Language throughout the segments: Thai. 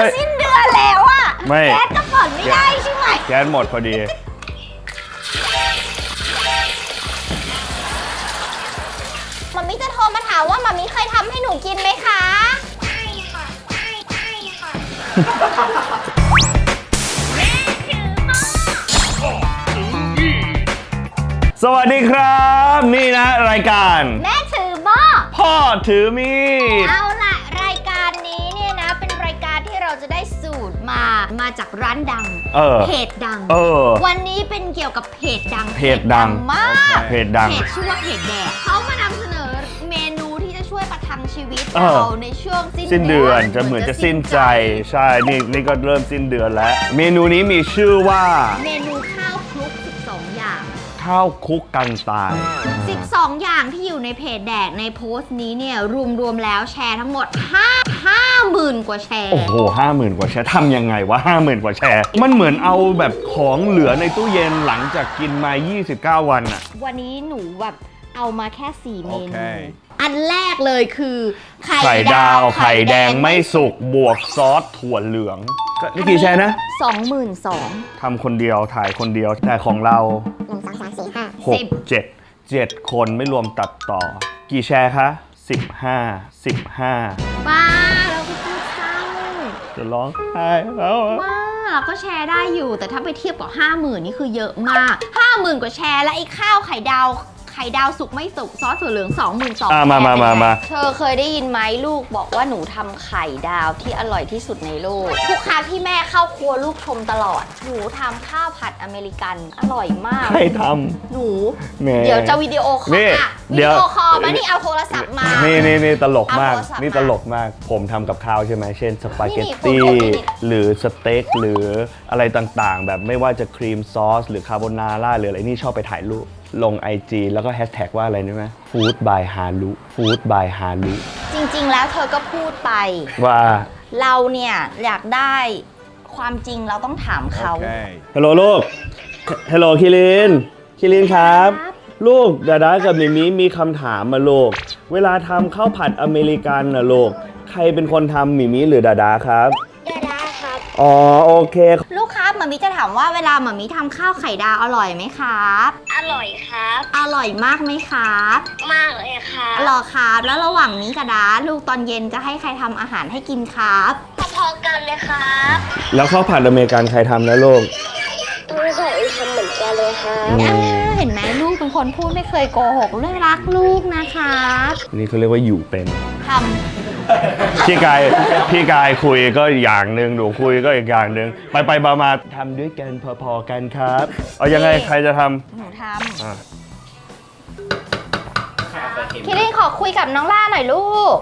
สิ้นเดือนแล้วอะไม่แก๊สก็เปิดไม่ได้ใช่ไหมแก๊สหมดพอดีมัมมี่จะโทรมาถามว่ามัมมี่เคยทำให้หนูกินไหมคะใช่ค่ะใช่ค่ะสวัสดีครับนี่นะรายการแม่ถือหม้อพ่อถือมีดเอาล่ะรายการนี้เนี่ยนะเป็นรายการที่เราจะได้สูตรมาจากร้านดังเพจดังวันนี้เป็นเกี่ยวกับเพจดังมากเพจดังชื่อว่าเพจแดกเขามานำเสนอเมนูที่จะช่วยประทังชีวิตเราในช่วงสิ้นเดือนจะเหมือนจะสิ้นใจใช่นี่ก็เริ่มสิ้นเดือนแล้วเมนูนี้มีชื่อว่าเมนูข้าวคลุก12อย่างข้าวคุกกันตาย 12อย่างที่อยู่ในเพจแดกในโพสต์นี้เนี่ยรวมแล้วแชร์ทั้งหมด50,000 กว่าแชร์โอ้โห50,000 กว่าแชร์ทำยังไงวะ50,000 กว่าแชร์มันเหมือนเอาแบบของเหลือในตู้เย็นหลังจากกินมา29 วันอะวันนี้หนูแบบเอามาแค่4เมนูอันแรกเลยคือไข่ดาวไข่แดงไม่สุกบวกซอสถั่วเหลืองนี่กี่แชร์นะ 22,000 ทำคนเดียวถ่ายคนเดียวแต่ของเรา1 2 3 4 5 6 7คนไม่รวมตัดต่อกี่แชร์คะ15 บ้าเราก็พูดเศร้าจะร้องไห้แล้วบ้าเราก็แชร์ได้อยู่แต่ถ้าไปเทียบกับ50,000นี่คือเยอะมาก50,000 กว่าแชร์และไอ้ข้าวไข่ดาวสุกไม่สุกซอสถั่วเหลือง22,000 มาเธอเคยได้ยินไหมลูกบอกว่าหนูทำไข่ดาวที่อร่อยที่สุดในโลกทุกครั้งที่แม่เข้าครัวลูกชมตลอดหนูทำข้าวผัดอเมริกันอร่อยมากใครทำหนูเดี๋ยวจะวิดีโอคอลมานี่เอาโทรศัพท์มานี่ตลกมากนี่ตลกมากผมทำกับข้าวใช่ไหมเช่นสปาเกตตี้หรือสเต็กหรืออะไรต่างๆแบบไม่ว่าจะครีมซอสหรือคาโบนาร่าหรืออะไรนี่ชอบไปถ่ายรูปลง IG แล้วก็แฮชแท็กว่าอะไรรู้ไหม Food by Haru Food by Haru จริงๆแล้วเธอก็พูดไปว่าเราเนี่ยอยากได้ความจริงเราต้องถามเขาฮัลโหลลูกฮัลโหลคิรินครับลูกดาดากับมิมิมีคำถามมาลูกเวลาทำข้าวผัดอเมริกันนะลูกใครเป็นคนทำมิมิหรือดาดาครับดาดาครับอ๋อโอเคลูกครับมัมมี่จะถามว่าเวลามัมมี่ทำข้าวไข่ดาวอร่อยไหมครับอร่อยครับอร่อยมากไหมครับมากเลยครับหรอครับแล้วระหว่างนี้กับดาลูกตอนเย็นจะให้ใครทำอาหารให้กินครับพอๆกันเลยครับแล้วข้าวผัดอเมริกันใครทำนะลูกลูกทำเหมือนกันเลยครับเห็นไหมลูกเป็นคนพูดไม่เคยโกหกเรื่องรักลูกนะครับนี่เขาเรียกว่าอยู่เป็นทำพี่กายคุยก็อย่างหนึ่งหนูคุยก็อีกอย่างหนึ่งไปมาทำด้วยกันพอๆกันครับเอายังไงใครจะทำหนูทำคิรินขอคุยกับน้องล่าหน่อยลูก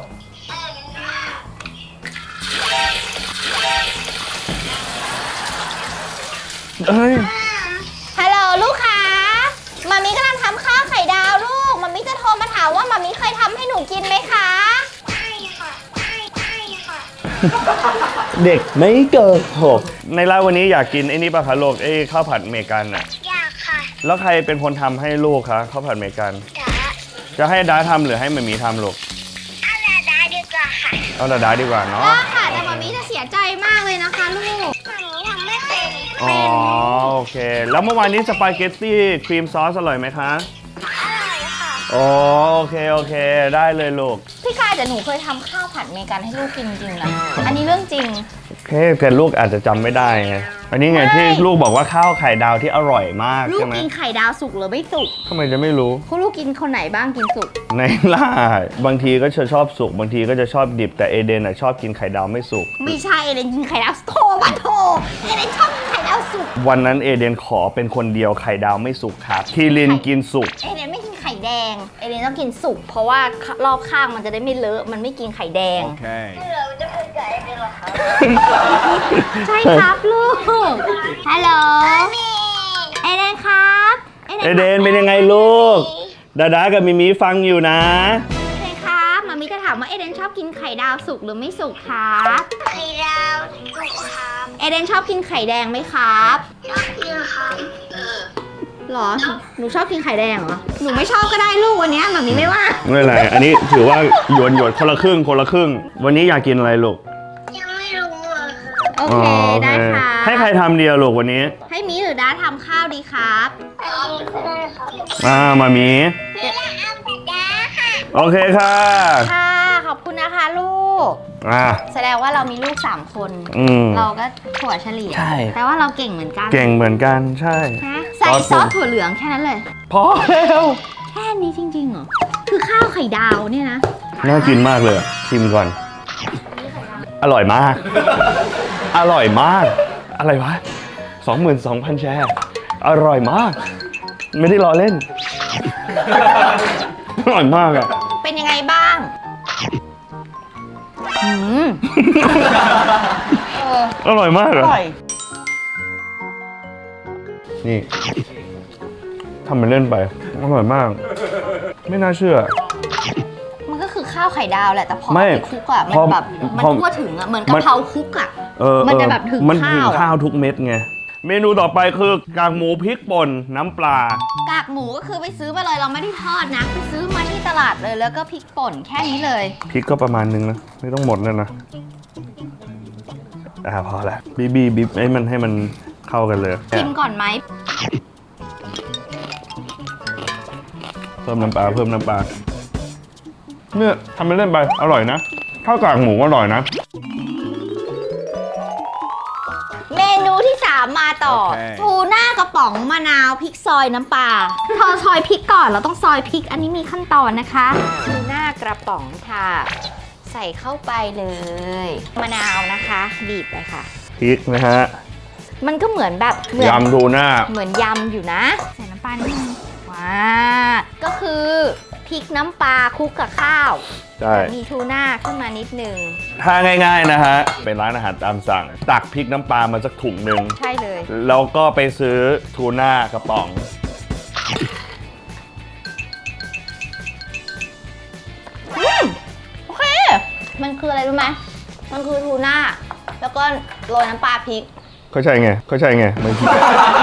ฮัลโหลลูกค้ามัมมี่กำลังทำข้าวไข่ดาวลูกมัมมี่จะโทรมาถามว่ามัมมี่เคยทำให้หนูกินไหมคะเด็กไม่เกิน6ในร้านวันนี้อยากกินไอ้นี่ป่ะคะลูกไอ้ข้าวผัดอเมริกันอ่ะอยากค่ะแล้วใครเป็นคนทำให้ลูกคะข้าวผัดอเมริกันจะให้ดาทำหรือให้มัมมี่ทำลูกเอาดาดีกว่าค่ะเอาดาดีกว่าเนาะค่ะแต่มัมมี่จะเสียใจมากเลยนะคะลูกมัมมี่ทำไม่เป็นอ๋อโอเคแล้วเมื่อวานนี้สปาเกตตี้ครีมซอสอร่อยไหมคะอร่อยค่ะอ๋อโอเคได้เลยลูกพี่กายแต่หนูเคยทำข้าวผัดอเมริกันให้ลูกกินจริงนะอันนี้เรื่องจริงโอเคแต่ลูกอาจจะจำไม่ได้ไงอันนี้ไงที่ลูกบอกว่าข้าวไข่ดาวที่อร่อยมากใช่ไหมลูกกินไข่ดาวสุกหรือไม่สุกทำไมจะไม่รู้คุณลูกกินคนไหนบ้างกินสุกในล่าบางทีก็จะชอบสุกบางทีก็จะชอบดิบแต่เอเดนชอบกินไข่ดาวไม่สุกไม่ใช่เอเดนกินไข่ดาวโถเอเดนชอบกินไข่ดาวสุกวันนั้นเอเดนขอเป็นคนเดียวไข่ดาวไม่สุกครับคิรินกินสุกเอเดนไม่กินไข่แดงเอเดนต้องกินสุกเพราะว่ารอบข้างมันจะได้ไม่เลอะมันไม่กินไข่แดงเราจะเป็นไก่เป็นหรอครับใช่ครับลูกฮัลโหลเอเดนครับเอเดนเป็นยังไงลูกดากับมิมิฟังอยู่นะเอเดนครับมัมมี่จะถามว่าเอเดนชอบกินไข่ดาวสุกหรือไม่สุกครับไข่ดาวสุกครับเอเดนชอบกินไข่แดงไหมครับชอบกินครับหรอหนูชอบกินไข่แดงเหรอหนูไม่ชอบก็ได้ลูกวันนี้มัมมี่ไม่ว่าไม่เป็นไรอันนี้ถือว่าหยวนคนละครึ่งวันนี้อยากกินอะไรลูกยังไม่รู้โอเคได้ค่ะให้ใครทำเดียวลูกวันนี้ให้มีหรือด้าทำข้าวดีครับมามีพี่ละอัมแต่ดาค่ะโอเคค่ะค่ะ ขอบคุณนะคะลูก แสดงว่าเรามีลูก3 คน เราก็ถั่วเฉลี่ยใช่แปลว่าเราเก่งเหมือนกันเก่งเหมือนกันใช่นะใส่ซอสถั่วเหลืองแค่นั้นเลยพอแล้วแค่นี้จริงๆเหรอ คือข้าวไข่ดาวเนี่ยนะน่ากินมากเลยอะชิมก่อน อร่อยมาก อร่อยมาก อะไรวะ 22,000 แชร์ อร่อยมาก ไม่ได้ล้อเล่น อร่อยมากอะเป็นยังไงบ้างอร่อยมากอะนี่ทำเป็นเล่นไป อร่อยมาก ไม่น่าเชื่อมันก็คือข้าวไข่ดาวแหละ แต่พอไม่ไปคลุกอะมันพอแบบมันพอทั่วถึงอะเหมือนกะเพราคลุกอะ มันจะแบบถึงมันถึงข้าวข้าวทุกเม็ดไง เมนูต่อไปคือกากหมูพริกป่นน้ำปลากากหมูก็คือไปซื้อมาเลยเราไม่ได้ทอดนะ ไปซื้อมาที่ตลาดเลยแล้วก็พริกป่นแค่นี้เลยพริกก็ประมาณนึงนะ ไม่ต้องหมดเลยนะพอละบีบให้มันเข้ากันเลยชิมก่อนไหมเพิ่มน้ำปลาเนี่ยทำเป็นเล่นไปอร่อยนะข้าวกากหมูก็อร่อยนะเมนูที่ 3 มาต่อโอเคทูน่ากระป๋องมะนาวพริกซอยน้ำปลาพอซอยพริกก่อนเราต้องซอยพริกอันนี้มีขั้นตอนนะคะทูน่ากระป๋องค่ะ ใส่เข้าไปเลยมะนาวนะคะ บีบไปค่ะพริกนะฮะมันก็เหมือนแบบเหมือนยำทูน่าเหมือนยำอยู่นะ ใส่น้ำปลานิดนึงว้าก็คือพริกน้ำปลาคลุกกับข้าวใช่มีทูน่าขึ้นมานิดนึงถ้าง่ายๆนะฮะ เป็นร้านอาหารตามสั่ง ตักพริกน้ำปลามาสักถุงหนึ่งใช่เลยแล้วก็ไปซื้อทูน่ากระป๋องโอเค มันคืออะไรรู้ไหมมันคือทูน่าแล้วก็โรยน้ำปลาพริกเข้าใจไงมันคือ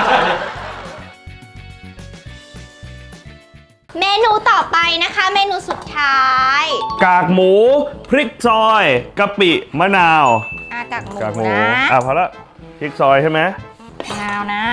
เมนูต่อไปนะคะ เมนูสุดท้ายกากหมูพริกซอยกะปิมะนาวกากหมูกากหมูนะพอละพริกซอยใช่ไหมมะนาวนะ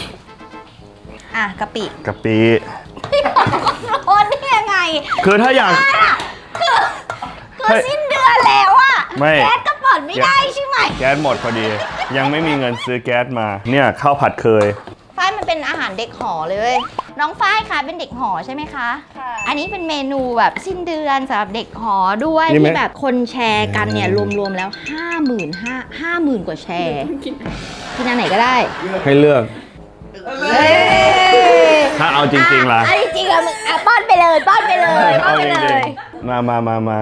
กะปิกะปิโอนได้ยังไงคือถ้าอยากคือสิ้นเดือนแล้วอะไม่แก๊สก็เปิดไม่ได้ใช่ไหมแก๊สหมดพอดี ยังไม่มีเงินซื้อแก๊สมา เนี่ยข้าวผัดเคยฝ้ายมันเป็นอาหารเด็กหอเลย น้องฝ้ายคะเป็นเด็กหอใช่ไหมคะค่ะอันนี้เป็นเมนูแบบสิ้นเดือนสำหรับเด็กหอด้วยนี่ไหมที่แบบคนแชร์กันเนี่ยรวมๆแล้ว 50,000 กว่าแชร์กินอันไหนก็ได้ให้เลือกเฮ้ยถ้าเอาจริงๆล่ะเอาจริงๆอะมึงป้อนไปเลยป้อนไปเลยป้อนไปเลยมา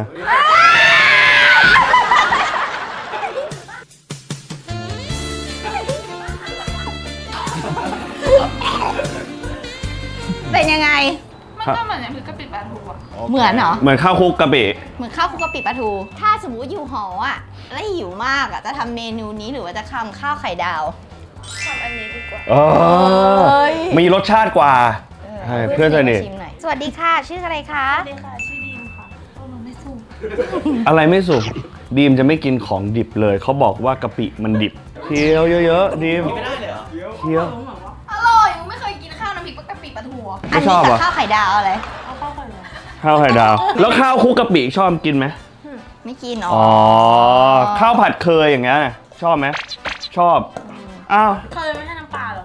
เป็นยังไงมันก็เหมือนน้ำพริกกะปิปลาทูอะเหมือนเหรอเหมือนข้าวคลุกกะปิเหมือนข้าวคลุกกะปิปลาทู ถ้าสมมติอยู่หออ่ะ แล้วหิวมากอ่ะ จะทำเมนูนี้หรือว่าจะทำข้าวไข่ดาวทำอันนี้ดีกว่าเฮ้ยมีรสชาติกว่า ใช่เพื่อนสนิทชิมหน่อยสวัสดีค่ะ ชื่ออะไรคะสวัสดีค่ะ ชื่อดีมค่ะมันไม่สุกอะไรไม่สุกดีมจะไม่กินของดิบเลย เขาบอกว่ากะปิมันดิบเคี้ยวเยอะๆดีมไม่ได้เลยเหรอเคี้ยวอร่อยไม่เคยกินข้าวน้ำพริกกะปิปลาทูอะอันชนี้อบกับอ่ะข้าวไข่ดาวอะไรเอาข้าวก่อนเลยข้าวไข่ดาว แล้วข้าวคลุกกะปิชอบกินไหมไม่กินอ๋อ ข้าวผัดเคยอย่างเงี้ยชอบไหมชอบ อ้าวเคยไม่ใช่น้ำปลาเหรอ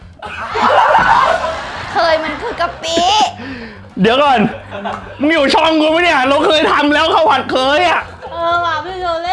เคยมันคือกะปิเดี๋ยวก่อน มึงอยู่ช่องกูไหมเนี่ย เราเคยทำแล้วข้าวผัดเคยอ่ะว่ะพี่โจเล่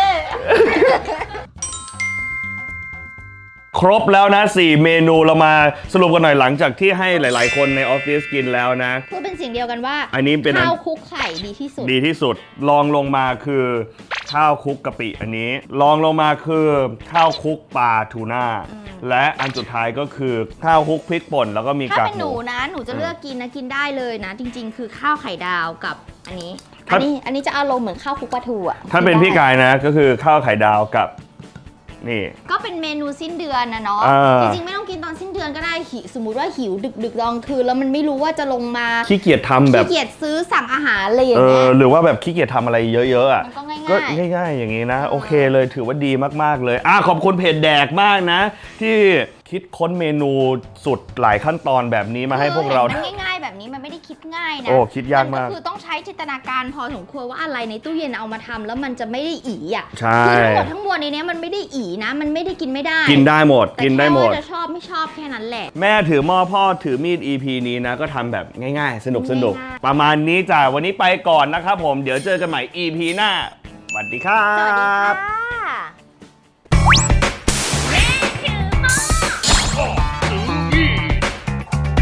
ครบแล้วนะ 4 เมนูเรามาสรุปกันหน่อยหลังจากที่ให้หลาย ๆ คนในออฟฟิศกินแล้วนะพูดเป็นสิ่งเดียวกันว่าอันนี้เป็นข้าวคลุกไข่ดีที่สุดดีที่สุดลองลงมาคือข้าวคลุกกะปิอันนี้ลองลงมาคือข้าวคลุกปลาทูน่าและอันสุดท้ายก็คือข้าวคลุกพริกป่นแล้วก็มีากถ้ากเป็นหหนูมูนะ หนูจะเลือกกินนะกินได้เลยนะ จริง ๆ คือข้าวไข่ดาวกับอันนี้ถ้าอันนี้จะอารมณ์เหมือนข้าวคลุกปลาทูอ่ะถ้าเป็นพี่ได้กายนะก็คือข้าวไข่ดาวกับนี่ก็เป็นเมนูสิ้นเดือนนะเนาะอ่าจริงๆไม่ต้องกินตอนสิ้นเดือนดือนก็ได้สมมุติว่าหิวดึกๆตอนคืนแล้วมันไม่รู้ว่าจะลงมาขี้เกียจทำแบบขี้เกียจซื้อสั่งอาหารอะไรอย่างเงี้ยหรือว่าแบบขี้เกียจทำอะไรเยอะๆอ่ะมันก็ง่ายๆก็ง่ายๆอย่างนี้นะ โอเคเลยถือว่าดีมากๆเลยขอบคุณเพจแดกมากนะ ที่คิดค้นเมนูสุดหลายขั้นตอนแบบนี้มาให้พวกเรามันง่ายๆแบบนี้มันไม่ได้คิดง่ายนะโอ้คิดยากมากก็คือต้องใช้จินตนาการพอสมควรว่าอะไรในตู้เย็นเอามาทำแล้วมันจะไม่ได้อีอ่ะใช่คือทั้งหมดทั้งมวลในนี้มันไม่ได้อีนะ มันไม่ได้กินไม่ได้กินได้หมดแต่กินได้หมดแค่ว่าจะชอบไม่ชอบแค่นั้นแหละแม่ถือหม้อพ่อถือมีด EP นี้นะ ก็ทำแบบง่ายๆ สนุกง่ายๆประมาณนี้จ้ะวันนี้ไปก่อนนะครับผมเดี๋ยวเจอกันใหม่ EP หน้าสวัสดีครัสวัสดีบค่ะ